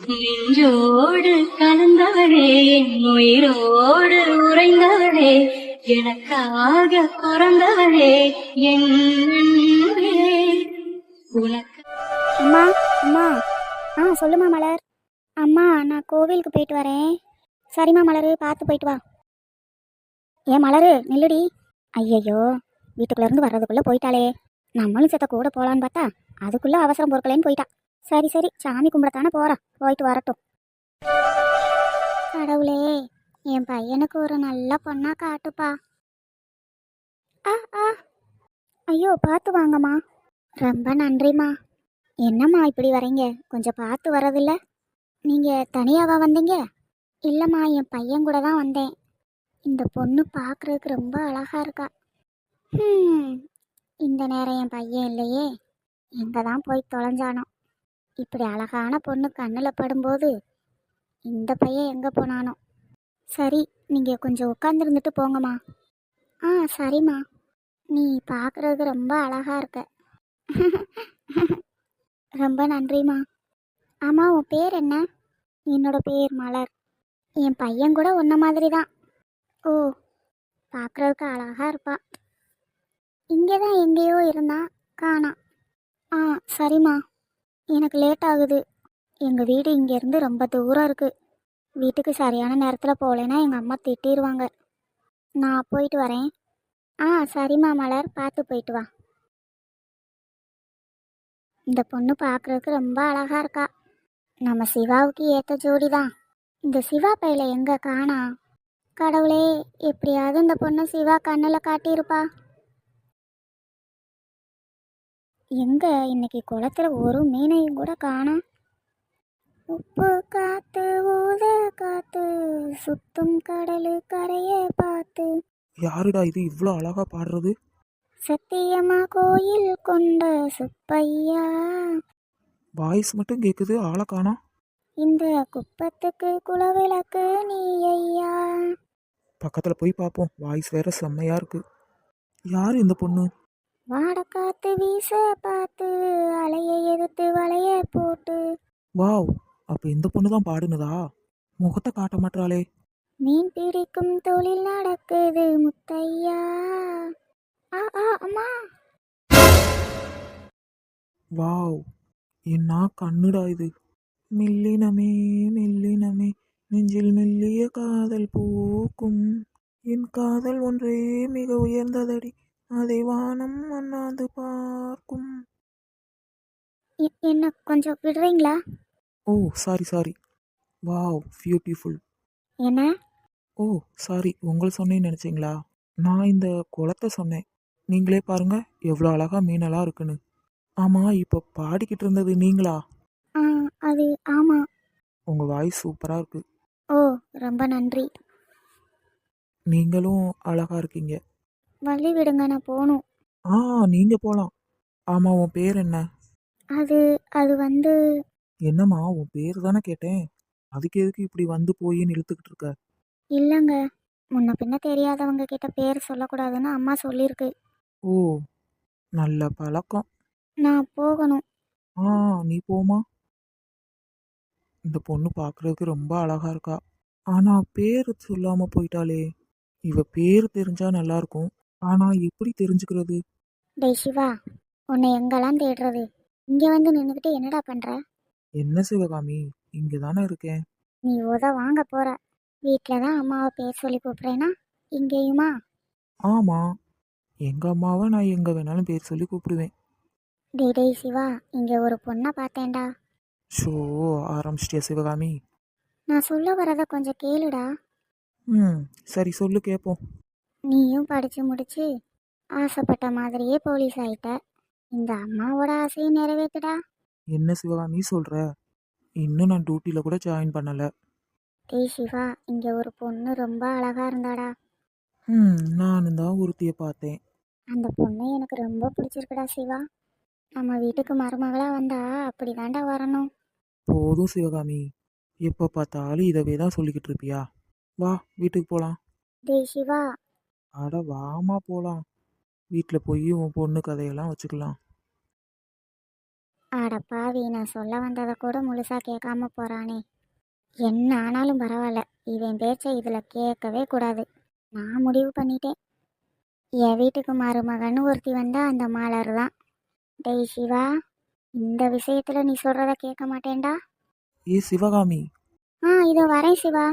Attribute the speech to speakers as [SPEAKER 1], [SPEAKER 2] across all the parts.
[SPEAKER 1] நெஞ்சோடு கலந்தவளே, என் உயிரோடு உறைந்தவளே, எனக்காக பிறந்தவளே, என் அன்பே. உனக்கு
[SPEAKER 2] அம்மா அம்மா. சொல்லுமா மலர். அம்மா நான் கோவிலுக்கு போயிட்டு வரேன். சரிம்மா மலரு, பார்த்து போயிட்டு வா. ஏன் மலரு நில்லுடி. ஐயையோ, வீட்டுக்குள்ளேருந்து வர்றதுக்குள்ளே போயிட்டாளே. நம்மளும் செத்த கூட போகலான்னு பார்த்தா அதுக்குள்ளே அவசரம் பொறுக்கலேன்னு போயிட்டா. சரி சரி, சாமி கும்பிடத்தானே போகிறா, போயிட்டு வரட்டும். கடவுளே, என் பையனுக்கு ஒரு நல்ல பொண்ணா காட்டுப்பா. ஆ ஆ ஐயோ, பார்த்து வாங்கம்மா. ரொம்ப நன்றிம்மா. என்னம்மா இப்படி வரீங்க, கொஞ்சம் பார்த்து வரதில்ல? நீங்கள் தனியாவா வந்தீங்க? இல்லைம்மா, என் பையன் கூட தான் வந்தேன். இந்த பொண்ணு பார்க்குறதுக்கு ரொம்ப அழகா இருக்கா. இந்த நேரம் என் பையன் இல்லையே, எங்கே தான் போய் தொலைஞ்சானோ. இப்படி அழகான பொண்ணு கண்ணில் படும்போது இந்த பையன் எங்கே போனானோ. சரி, நீங்கள் கொஞ்சம் உட்காந்துருந்துட்டு போங்கம்மா. சரிம்மா. நீ பார்க்குறதுக்கு ரொம்ப அழகா இருக்க. ரொம்ப நன்றிம்மா. ஆமாம், உன் பேர் என்ன? என்னோட பேர் மலர். என் பையன் கூட உன்ன மாதிரி தான். ஓ, பார்க்குறதுக்கு அழகா இருப்பான். இங்கே தான் எங்கேயோ இருந்தா, காணாம். சரிம்மா. எனக்கு லேட் ஆகுது. எங்கள் வீடு இங்கேருந்து ரொம்ப தூரம் இருக்குது. வீட்டுக்கு சரியான நேரத்தில் போகலைன்னா எங்கள் அம்மா திட்டிடுவாங்க. நான் போயிட்டு வரேன். சரிம்மா மலர், பார்த்து போயிட்டு வா. இந்த பொண்ணு பார்க்குறதுக்கு ரொம்ப அழகா இருக்கா. நம்ம சிவாவுக்கு ஏற்ற ஜோடி தான். இந்த சிவா பையில எங்கே காணா? கடவுளே, எப்படியாவது இந்த பொண்ணு சிவா கண்ணில் காட்டியிருப்பா. எங்க இன்னைக்கு குளத்துல ஒரு மீனையும் கூட காணோம். உப்பு காத்து ஊத காத்து சுத்தும் கடலு கரைய பார்த்து.
[SPEAKER 3] யாருடா இது இவ்வளோ அழகா பாடுறது?
[SPEAKER 2] சத்தியமா கோயில் கொண்ட சுப்பையா.
[SPEAKER 3] வாய்ஸ் மட்டும் கேட்குது, ஆளை காணோம்.
[SPEAKER 2] இந்த குப்பத்துக்கு குலவிளக்கு நீ ஐயா.
[SPEAKER 3] பக்கத்தில் போய் பார்ப்போம், வாய்ஸ் வேற செம்மையா இருக்கு. யார் இந்த பொண்ணு?
[SPEAKER 2] வாட காத்து வீச பார்த்து அலைய எதிர்த்து வளைய போட்டு.
[SPEAKER 3] வாவ், அப்போ இந்த பொண்ணு தான் பாடுனதா? முகத்தை காட்ட மாட்டாளே.
[SPEAKER 2] மீன் பிடிக்கும் தொழில் நடக்குது முத்தையா. அம்மா.
[SPEAKER 3] வாவ், என்ன கண்ணுடா இது. மெல்லினமே மெல்லினமே நெஞ்சில் மெல்லிய காதல் பூக்கும். என் காதல் ஒன்றே மிக உயர்ந்ததடி, அதை வானம் அண்ணாந்து பார்க்கும்.
[SPEAKER 2] என்ன கொஞ்சம் விடுறீங்களா?
[SPEAKER 3] Oh sorry sorry. Wow, beautiful.
[SPEAKER 2] என்ன?
[SPEAKER 3] ஓ சாரி, உங்களை சொன்னேன்னு நினச்சிங்களா? நான் இந்த குளத்தை சொன்னேன். நீங்களே பாருங்க எவ்வளோ அழகா மீனெல்லாம் இருக்குன்னு. ஆமாம், இப்போ பாடிக்கிட்டு இருந்தது நீங்களா?
[SPEAKER 2] அது ஆமா.
[SPEAKER 3] உங்கள் வாய்ஸ் சூப்பராக இருக்கு.
[SPEAKER 2] ஓ, ரொம்ப நன்றி.
[SPEAKER 3] நீங்களும் அழகா இருக்கீங்க.
[SPEAKER 2] வழி விடுங்க, நான் போகணும்.
[SPEAKER 3] நீங்கள் போகலாம். ஆமாம், உன் பேர் என்ன?
[SPEAKER 2] அது அது வந்து.
[SPEAKER 3] என்னம்மா, உன் பேர் தானே கேட்டேன். அதுக்கு எதுக்கு இப்படி வந்து போயின்னு இழுத்துக்கிட்டு இருக்க?
[SPEAKER 2] இல்லைங்க, முன்ன பின்ன தெரியாதவங்க கிட்ட பேர் சொல்லக்கூடாதுன்னு அம்மா சொல்லியிருக்கு.
[SPEAKER 3] ஓ, நல்ல பழக்கம்.
[SPEAKER 2] நான் போகணும்.
[SPEAKER 3] நீ போமா. இந்த பொண்ணு பார்க்குறதுக்கு ரொம்ப அழகா இருக்கா. ஆனால் பேர் சொல்லாமல் போயிட்டாளே. இவ பேர் தெரிஞ்சா நல்லா இருக்கும். ஆனால் எப்படி தெரிஞ்சுக்கிறது?
[SPEAKER 2] டேய் சிவா, உன்னை எங்கெல்லாம் தேடுறது? இங்கே வந்து நின்றுக்கிட்டு என்னடா பண்ணுற?
[SPEAKER 3] என்ன சிவகாமி, இங்கே தானே இருக்கேன்.
[SPEAKER 2] நீ வாங்க போற. வீட்டில் தான் அம்மாவை பேர் சொல்லி கூப்பிட்றேன்னா இங்கேயுமா?
[SPEAKER 3] ஆமாம், எங்கள் அம்மாவை நான் எங்கே வேணாலும் பேர் சொல்லி கூப்பிடுவேன்.
[SPEAKER 2] டேய் சிவா, இங்கே ஒரு பொண்ணை பார்த்தேன்டா.
[SPEAKER 3] ஷோ, ஆரம்பிச்சிட்டியா சிவகாமி?
[SPEAKER 2] நான் சொல்ல வரதை கொஞ்சம் கேளுடா.
[SPEAKER 3] சரி சொல்லு கேட்போம்.
[SPEAKER 2] நீயும் படித்து முடிச்சு ஆசைப்பட்ட மாதிரியே போலீஸ் ஆயிட்ட. இந்த அம்மாவோட ஆசையை நிறைவேற்றுடா.
[SPEAKER 3] என்ன சிவகாமி சொல்கிற? இன்னும் நான் டியூட்டியில் கூட ஜாயின் பண்ணலை.
[SPEAKER 2] டேய் சிவா, இங்கே ஒரு பொண்ணு ரொம்ப அழகா இருந்தாடா.
[SPEAKER 3] நானும் தான் ஒருத்தியை பார்த்தேன்.
[SPEAKER 2] அந்த பொண்ணு எனக்கு ரொம்ப பிடிச்சிருக்குடா சிவா. நம்ம வீட்டுக்கு மருமகளாக வந்தா அப்படி தாண்டா வரணும்.
[SPEAKER 3] போதும் சிவகாமி, எப்போ பார்த்தாலும் இதவே தான் சொல்லிக்கிட்டு இருப்பியா? வா, வீட்டுக்கு போகலாம்.
[SPEAKER 2] டேய் சிவா.
[SPEAKER 3] அட வாமா போகலாம். வீட்டில் போய் உன் பொண்ணு கதையெல்லாம் வச்சுக்கலாம்.
[SPEAKER 2] அட பாவி, நான் சொல்ல வந்ததை கூட முழுசா கேட்காம போறானே. என்ன ஆனாலும் பரவாயில்ல, இவன் பேச்சை இதில் கேட்கவே கூடாது. நான் முடிவு பண்ணிட்டேன். என் வீட்டுக்கு மருமகன்னு ஒருத்தி வந்தா அந்த மலர் தான். டேய் சிவா, இந்த விஷயத்துல நீ சொல்றத கேட்க மாட்டேன்டா.
[SPEAKER 3] ஏ சிவகாமி.
[SPEAKER 2] இதோ வரேன் சிவா.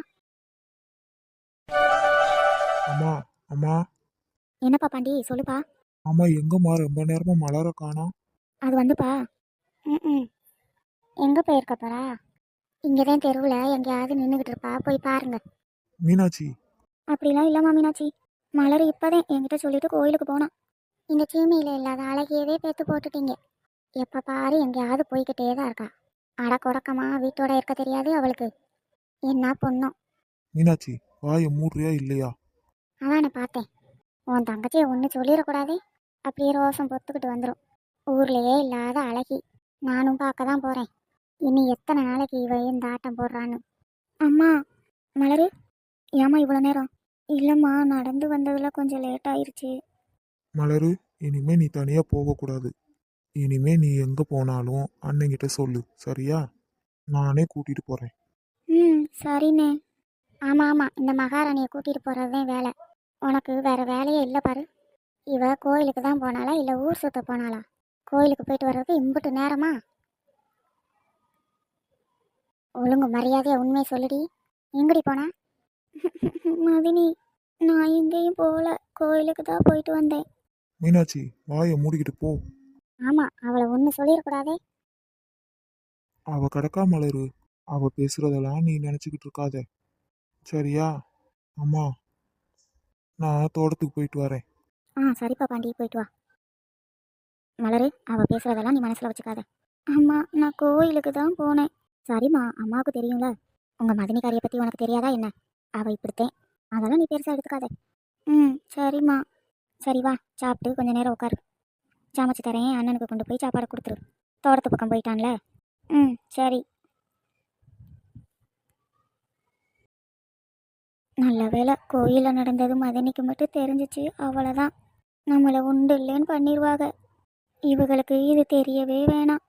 [SPEAKER 3] அம்மா அம்மா.
[SPEAKER 2] என்னப்பா பாண்டி, சொல்லுப்பா.
[SPEAKER 3] அம்மா எங்கம்மா ரொம்ப நேரமா மலர காணோம்?
[SPEAKER 2] அது வந்துப்பா. ம் எங்கே போயிருக்கப்பறா? இங்கே தான் தெருவில் எங்கேயாவது நின்றுக்கிட்டு இருப்பா, போய் பாருங்க.
[SPEAKER 3] மீனாட்சி.
[SPEAKER 2] அப்படிலாம் இல்லைம்மா மீனாட்சி. மலர் இப்போதான் என்கிட்ட சொல்லிட்டு கோயிலுக்கு போனான். இந்த சீமையில் இல்லாத அழகியவே பேத்து போட்டுட்டீங்க. எப்போ பாரு எங்கேயாவது போய்கிட்டே தான் இருக்கா. அட கொடக்கமா வீட்டோட இருக்க தெரியாது அவளுக்கு. என்ன பொண்ணும்.
[SPEAKER 3] மீனாட்சி, வாயை மூடுறியா இல்லையா?
[SPEAKER 2] அதானே பார்த்தேன். உன் தங்கச்சியை ஒன்று சொல்லிடக்கூடாதே, அப்படியே ரோசம் பொத்துக்கிட்டு வந்துடும். ஊர்லேயே இல்லாத அழகி. நானும் பார்க்க தான் போகிறேன். இனி எத்தனை நாளைக்கு இவ இந்த ஆட்டம் போடுறான்னு. அம்மா. மலரு, ஏம்மா இவ்வளோ நேரம்? இல்லைம்மா, நடந்து வந்ததில் கொஞ்சம் லேட் ஆயிருச்சு.
[SPEAKER 3] மலரு, இனிமே நீ தனியா போகக்கூடாது. இனிமே நீ எங்க போனாலும் அண்ணங்கிட்ட சொல்லு, சரியா? நானே கூட்டிட்டு போறேன்.
[SPEAKER 2] சரிண்ணே. ஆமாம், இந்த மகாராணியை கூட்டிகிட்டு போகிறது தான் வேலை. உனக்கு வேறு வேலையே இல்லை பாரு. இவ கோயிலுக்கு தான் போனாளா இல்லை ஊர் சுத்த போனாளா? கோயிலுக்கு போயிட்டு வர்றதுக்கு இம்புட்டு நேரமா? ஒழுங்கு மரியாதையா உண்மையை சொல்லுடி. எங்கடி போனா? மதினி, நான் எங்கேயும் போகல, கோயிலுக்கு தான் போயிட்டு வந்தேன்.
[SPEAKER 3] மீனாட்சி, வாயை மூடிக்கிட்டு போ.
[SPEAKER 2] ஆமாம், அவளை ஒன்று சொல்லிடக்கூடாதே.
[SPEAKER 3] அவ கிடக்கா மலரு. அவ பேசுறதெல்லாம் நீ நினைச்சுக்கிட்டு இருக்காத, சரியா? அம்மா, நான் தோட்டத்துக்கு போயிட்டு வரேன்.
[SPEAKER 2] சரிப்பா பாண்டி, போயிட்டு வா. மலரு, அவள் பேசுகிறதெல்லாம் நீ மனசில் வச்சுக்காத. அம்மா, நான் கோயிலுக்கு தான் போனேன். சரிம்மா, அம்மாவுக்கு தெரியும்ல. உங்கள் மதினிக்காரியை பற்றி உனக்கு தெரியாதா என்ன? அவள் இப்படித்தேன். அதெல்லாம் நீ பெருசாக எடுத்துக்காத. சரிம்மா. சரி வா, சாப்பிட்டு கொஞ்சம் நேரம் உட்காரு. சமைச்சு தரேன், அண்ணனுக்கு கொண்டு போய் சாப்பாடு கொடுத்துரு. தோட்டத்து பக்கம் போயிட்டான்ல. சரி. நல்ல வேலை, கோயிலில் நடந்தது மதினிக்கு மட்டும் தெரிஞ்சிச்சு, அவ்வளோதான். நம்மளை உண்டு இல்லைன்னு பண்ணிடுவாங்க. இவங்களுக்கு இது தெரியவே வேணாம்.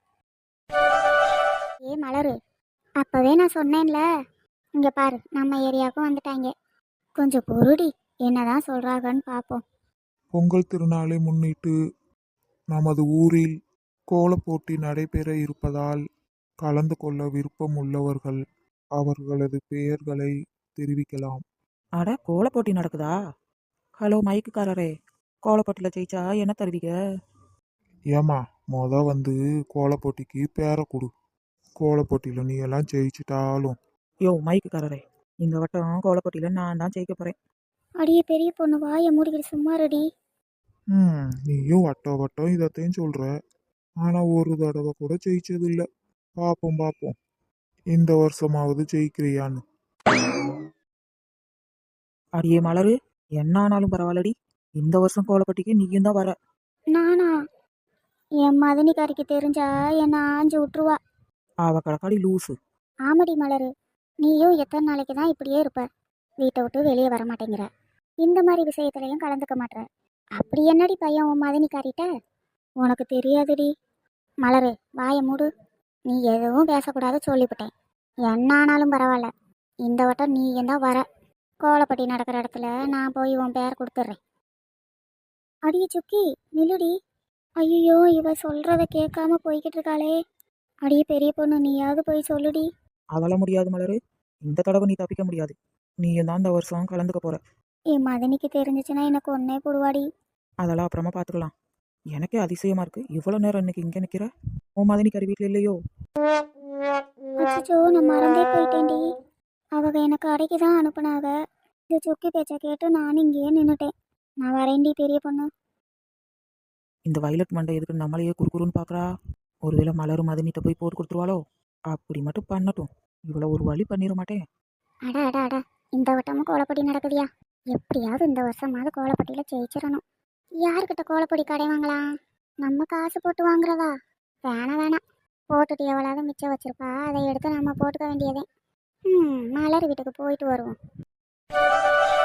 [SPEAKER 2] மலரு, அப்பவே நான் சொன்னேன்ல. இங்க பாரு, நம்ம ஏரியாவுக்கும் வந்துட்டாங்க. கொஞ்சம் பொறுடி, என்னதான் சொல்றாங்கன்னு பார்ப்போம்.
[SPEAKER 3] பொங்கல் திருநாளை முன்னிட்டு நமது ஊரில் கோலப் போட்டி நடைபெற இருப்பதால் கலந்து கொள்ள விருப்பம் உள்ளவர்கள் அவர்களது பெயர்களை தெரிவிக்கலாம்.
[SPEAKER 4] அட, கோலப் போட்டி நடக்குதா? ஹலோ மைக்குக்காரரே, கோலப்போட்டியில் ஜெயிச்சா என்ன தருவீங்க?
[SPEAKER 3] ஏமா, வந்து கோலப் போட்டிக்கு பேரை கொடு. கோலப் போட்டியில் நீ எல்லாம் ஜெயிச்சிட்டாலும்.
[SPEAKER 4] யோ மைக்குக்காரரே, இந்த வட்டம் கோலப்போட்டியில் நான் தான் ஜெயிக்க போகிறேன்.
[SPEAKER 2] அடியே பெரிய பொண்ணு, வாயை மூடிக்கிட்டு சும்மா ரெடி.
[SPEAKER 3] நீயும் வட்டம் வட்டம் இதத்தையும் சொல்ற, ஆனா ஒரு தடவை கூட ஜெயிச்சது இல்லை. பார்ப்போம் பார்ப்போம், இந்த வருஷமாவது ஜெயிக்கிறியான்னு.
[SPEAKER 4] அடியே மலரு, என்ன ஆனாலும் பரவாயில்லடி, இந்த வருஷம் கோலப்போட்டிக்கு நீயும் தான் வர.
[SPEAKER 2] நானா? என் மதினிக்காரிக்கு தெரிஞ்சா என்னை ஆஞ்சு விட்டுருவா.
[SPEAKER 4] அவ கடக்காடி லூசு.
[SPEAKER 2] ஆமடி மலரு, நீயும் எத்தனை நாளைக்கு தான் இப்படியே இருப்ப? வீட்டை விட்டு வெளியே வர மாட்டேங்கிற, இந்த மாதிரி விஷயத்துலையும் கலந்துக்க மாட்டேற. அப்படி என்னடி பையன் உன் மதினிக்காரிட்ட? உனக்கு தெரியாதுடி. மலரு, வாயை மூடு. நீ எதுவும் பேசக்கூடாது சொல்லிவிட்டேன். என்ன ஆனாலும் பரவாயில்ல, இந்த வட்டம் நீ தான் வர. கோலப்பட்டி நடக்கிற இடத்துல நான் போய் உன் பேர் கொடுத்துட்றேன். அடியே சுக்கி, நில்லுடி. ஐயோ, இவ சொல்றத கேட்காம போய்கிட்டு இருக்காளே. அடியே பெரிய பொண்ணு, நீயாவது போய் சொல்லுடி.
[SPEAKER 4] அதெல்லாம் முடியாது மலரு, இந்த தடவை நீ தப்பிக்க முடியாது. நீயும் தான் இந்த வருஷம் கலந்துக்க போற.
[SPEAKER 2] என் மதனிக்கு தெரிஞ்சிச்சுன்னா எனக்கு ஒன்னே போடுவாடி.
[SPEAKER 4] அதெல்லாம் அப்புறமா பார்த்துக்கலாம். எனக்கே அதிசயமா இருக்கு, இவ்வளோ நேரம் இன்னைக்கு இங்கே நிற்கிற. உன் மதினிக்காரி வீட்டில் இல்லையோ?
[SPEAKER 2] அச்சோ, நான் மறந்தே போயிட்டேன்டி. அவங்க எனக்கு அடைக்கு தான் அனுப்புனாங்க. இந்த சுக்கி பேச்சை கேட்டு நானும் இங்கேயே நின்றுட்டேன். நான் வரேன்டி பெரிய பொண்ணு.
[SPEAKER 4] இந்த வயலட் மண்டை எதுக்கு நம்மளையே குறுக்குறுன்னு பார்க்குறா? ஒருவேளை மலரும் மதினிட்ட போய் போட்டு கொடுத்துருவாளோ? அப்படி மட்டும் பண்ணட்டும், இவ்வளோ ஒரு வழி பண்ணிட மாட்டேன்.
[SPEAKER 2] அடா அடா அடா, இந்த வட்டமும் கோலப்பொடி நடக்குதியா? எப்படியாவது இந்த வருஷமாவது கோலப்பொடியில் ஜெயிச்சிடணும். யாருக்கிட்ட கோலப்பொடி கடை வாங்கலாம்? நம்ம காசு போட்டு வாங்குறதா? வேணாம், போட்டுட்டு எவ்வளவு மிச்சம் வச்சிருப்பா, அதை எடுத்து நம்ம போட்டுக்க வேண்டியதே. மலர் வீட்டுக்கு போயிட்டு வருவோம்.